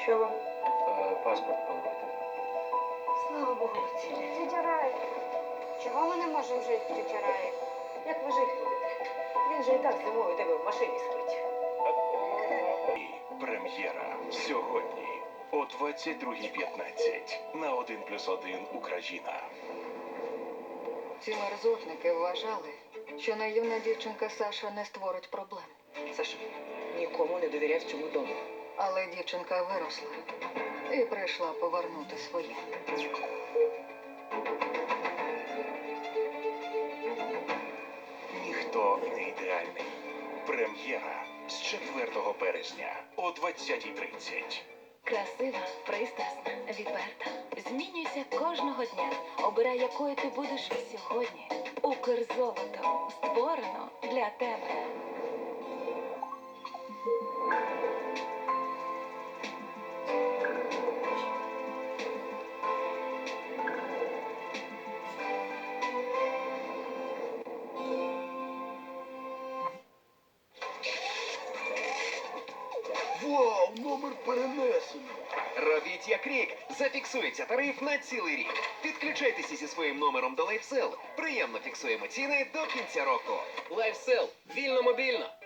Що вам? Паспорт поновити. Слава Богу, Люці. Тетя Рая, чого ми не можемо жити, тетя Рая? Як ви жити будете? Він же і так зимою у тебе в машині спить. Прем'єра сьогодні о 22:15 на 1+1 Україна. Ці мерзотники вважали, що наївна дівчинка Саша не створить проблем. Саша, нікому не довіряй в цьому дому. Але дівчинка виросла і прийшла повернути своє. Ніхто не ідеальний. Прем'єра з 4 березня о 20:30. Красива, пристрасна, відверта. Змінюйся кожного дня. Обирай, якою ти будеш сьогодні. Укрзолото створено для тебе. Вау, номер перенесено. Робіть як рік. Зафіксується тариф на цілий рік. Підключайтеся зі своїм номером до LifeSell. Приємно фіксуємо ціни до кінця року. LifeSell. Вільно мобільно.